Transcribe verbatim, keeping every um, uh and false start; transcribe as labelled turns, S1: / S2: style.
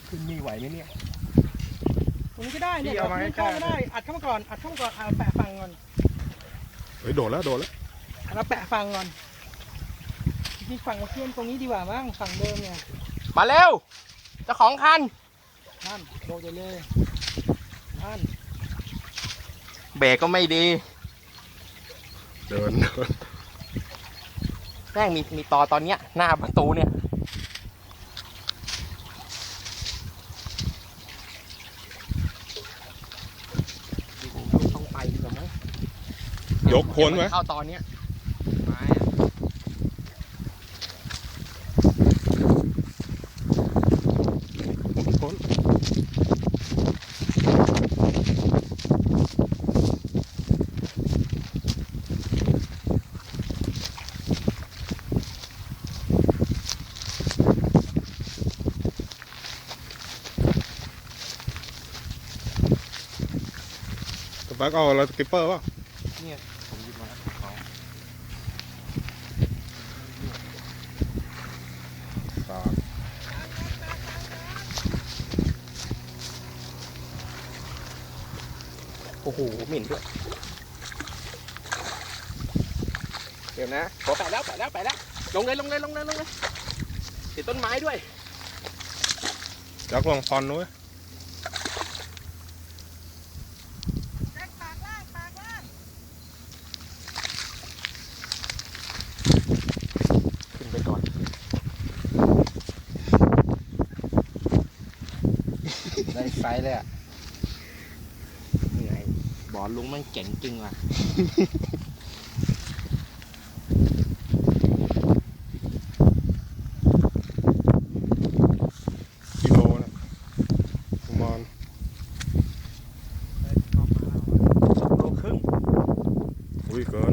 S1: ขึ้นมีไหวไหมเนี่ย
S2: ตรงนี้ก็ได้เนี่ย
S1: เอามาให้
S2: เข้า
S1: ข้า
S2: ก็ได้อัดเข้ามาก่อนอัดเข้ามาก่อนเอาแปะฟังก่อน
S3: เฮ้ยโดดแล้วโดดแล้ว
S2: เราแปะฟังก่อนที่ฝั่งมาเชื่อมตรงนี้ดีกว่ามั้งฝั่งเดิมเนี่ย
S1: มาเร็วเจ้าของคัน
S2: ท่านโดดไปเลยท่าน
S1: เบรกก็ไม่ดี
S3: เดินเดิน
S1: แม่งมีมีตอตอนเนี้ยหน้าประตูเนี่ยต้องไปดีกว่ามั้ง
S3: ยกพ้นไหม
S1: เข้าตอนเนี้ยไม้อะ
S3: พ้น ตะปักเอาอะไรสกิปเปอร์ป่ะ
S1: เนี่ยผมหยิบมาแล้วเขา
S3: ตา
S1: โอ้โหเหม็นด้วยเดี๋ยวนะขอแปะแล้วแปะแล้วแปะแล้วลงเลยลงเลยลงเลยลงเลยติดต้นไม้ด้วย
S3: ยักษ์ลองพอนด้วย
S1: ขึ้นไปก่อนได้ไซส์เลยอ่ะเหนื่อยบอลลุงมันเก่งจริงว่ะ
S3: กิโลนะประมาณ
S1: สองโลครึ่ง
S3: อุ้ยเกิน